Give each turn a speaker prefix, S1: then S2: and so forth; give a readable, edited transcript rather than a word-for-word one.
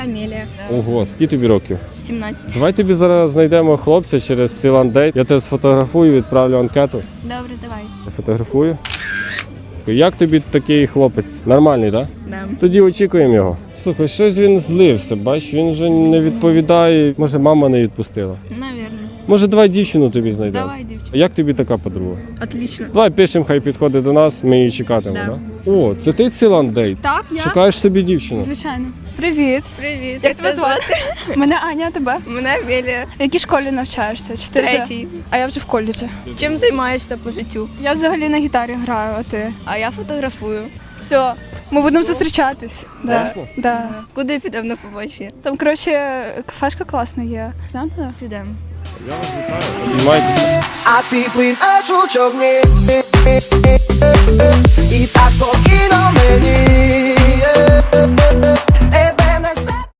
S1: Амелія.
S2: Ого, скільки тобі років?
S1: 17.
S2: Давай тобі зараз знайдемо хлопця через Сіландейт. Я тебе сфотографую, відправлю анкету.
S1: Добре, давай.
S2: Фотографую. Як тобі такий хлопець? Нормальний, так?
S1: Да.
S2: Тоді очікуємо його. Слухай, щось він злився, бач, він вже не відповідає. Може, мама не відпустила.
S1: Навірно.
S2: Може, давай дівчину тобі знайдемо.
S1: Давай, дівчина.
S2: Як тобі така подруга?
S1: Отлично.
S2: Давай пишемо, хай підходить до нас, ми її чекатимемо,
S1: Да.
S2: так? О, це ти Сіландейт?
S3: Так, я?
S2: Шукаєш собі дівчину?
S3: Звичайно. Привіт.
S1: Привіт.
S3: Як тебе звати? Мене Аня, а тебе?
S1: Мене Амелія.
S3: В якій школі навчаєшся? Чи ти вже?
S1: Третій.
S3: А я вже в коледжі.
S1: Чим займаєшся по життю?
S3: Я взагалі на гітарі граю, а ти?
S1: А я фотографую.
S3: Все, ми будемо зустрічатись. Да.
S2: Точно?
S3: Да.
S1: Куди підемо на побачення?
S3: Там, коротше, кафешка класна є. Глянь туди?
S1: Підемо.
S2: Я вас вітаю. Обіймайтеся.
S4: А ти плин, а жучок не. І так